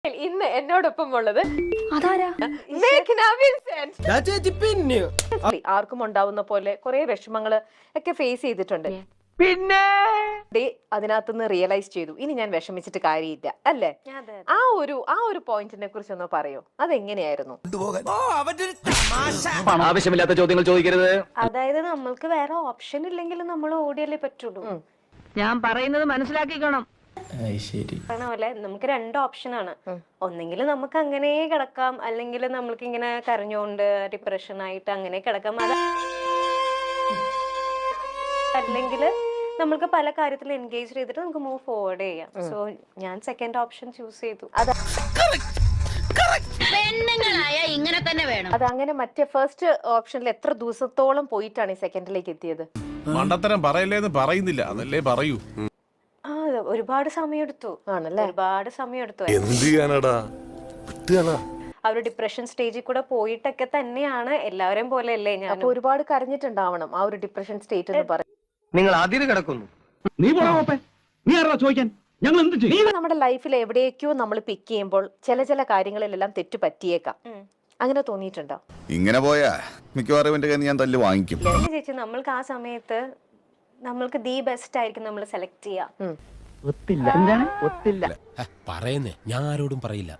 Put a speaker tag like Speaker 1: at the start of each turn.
Speaker 1: ഇന്ന് എന്നോടൊപ്പം ഉള്ളത്
Speaker 2: അതാരാ?
Speaker 1: മേഘ്ന വിൻസെന്റ്. ആർക്കും ഉണ്ടാവുന്ന പോലെ കുറെ വിഷമങ്ങള് ഒക്കെ ഫേസ് ചെയ്തിട്ടുണ്ട്.
Speaker 3: പിന്നെ
Speaker 1: അതിനകത്തുനിന്ന് റിയലൈസ് ചെയ്തു ഇനി ഞാൻ വിഷമിച്ചിട്ട് കാര്യമില്ല അല്ലേ? ആ ഒരു പോയിന്റിനെ കുറിച്ച് ഒന്ന് പറയോ? അതെങ്ങനെയായിരുന്നു?
Speaker 3: ആവശ്യമില്ലാത്ത ചോദ്യങ്ങൾ ചോദിക്കരുത്.
Speaker 2: അതായത് നമ്മൾക്ക് വേറെ ഓപ്ഷൻ ഇല്ലെങ്കിലും നമ്മൾ ഓടിയല്ലേ പറ്റുള്ളൂ.
Speaker 4: ഞാൻ പറയുന്നത് മനസ്സിലാക്കിക്കണം.
Speaker 2: പറഞ്ഞ പോലെ നമുക്ക് രണ്ട് ഓപ്ഷൻ ആണ്. ഒന്നെങ്കിൽ നമുക്ക് അങ്ങനെ കിടക്കാം, അല്ലെങ്കിൽ നമ്മൾക്ക് ഇങ്ങനെ കരഞ്ഞുകൊണ്ട് ഡിപ്രഷൻ ആയിട്ട് അങ്ങനെ കിടക്കാം. അല്ലെങ്കിൽ നമുക്ക് പല കാര്യത്തിൽ എൻഗേജ് ചെയ്തിട്ട് നമുക്ക് മൂവ് ഫോർവേഡ് ചെയ്യാം. സോ ഞാൻ സെക്കൻഡ് ഓപ്ഷൻ ചൂസ് ചെയ്തു.
Speaker 4: പെണ്ണുങ്ങളായ ഇങ്ങനെ തന്നെ വേണം.
Speaker 1: അതങ്ങനെ മറ്റേ ഫസ്റ്റ് ഓപ്ഷനിൽ എത്ര ദിവസത്തോളം പോയിട്ടാണ് ഈ സെക്കൻഡിലേക്ക് എത്തിയത്?
Speaker 5: മണ്ടത്തരം പറയല്ലേന്ന് പറയുന്നില്ല, അതല്ലേ പറയൂ.
Speaker 2: ഒരുപാട് സമയമെടുത്തു.
Speaker 1: ആണല്ലേ?
Speaker 2: ഒരുപാട് സമയമെടുത്തു.
Speaker 5: എന്ത് ചെയ്യാനാടാ?
Speaker 2: ആ ഒരു ഡിപ്രഷൻ സ്റ്റേജിൽ കൂടെ പോയിട്ടൊക്കെ തന്നെയാണ് എല്ലാവരെയും പോലെ അല്ലേ ഞാൻ.
Speaker 1: അപ്പൊ ഒരുപാട് കരഞ്ഞിട്ടുണ്ടാവണം ആ ഒരു ഡിപ്രഷൻ സ്റ്റേറ്റ് എന്ന് പറയും.
Speaker 3: നിങ്ങൾ അതിര് കിടക്കുന്നു.
Speaker 6: നീ പോടാ, നീ ആരാ ചോദിക്കാൻ? ഞങ്ങൾ എന്ത് ചെയ്യും?
Speaker 1: നമ്മുടെ ലൈഫിൽ എവിടേക്കോ നമ്മൾ പിക്ക് ചെയ്യുമ്പോൾ ചില കാര്യങ്ങളിലെല്ലാം തെറ്റ് പറ്റിയേക്കാം. അങ്ങനെ തോന്നിയിട്ടുണ്ടോ?
Speaker 7: ഇങ്ങനെ പോയാ മിക്കവാറും എന്റെ കയ്യിൽ ഞാൻ തല്ല് വാങ്ങിക്കും.
Speaker 2: ചേച്ചി, നമ്മൾക്ക് ആ സമയത്ത് നമ്മൾക്ക് ദി ബെസ്റ്റ് ആയിരിക്കും നമ്മൾ സെലക്ട് ചെയ്യാം.
Speaker 3: ഒത്തില്ല. എന്താണ് ഒത്തില്ല?
Speaker 8: പറയുന്നേ, ഞാൻ ആരോടും പറയില്ല.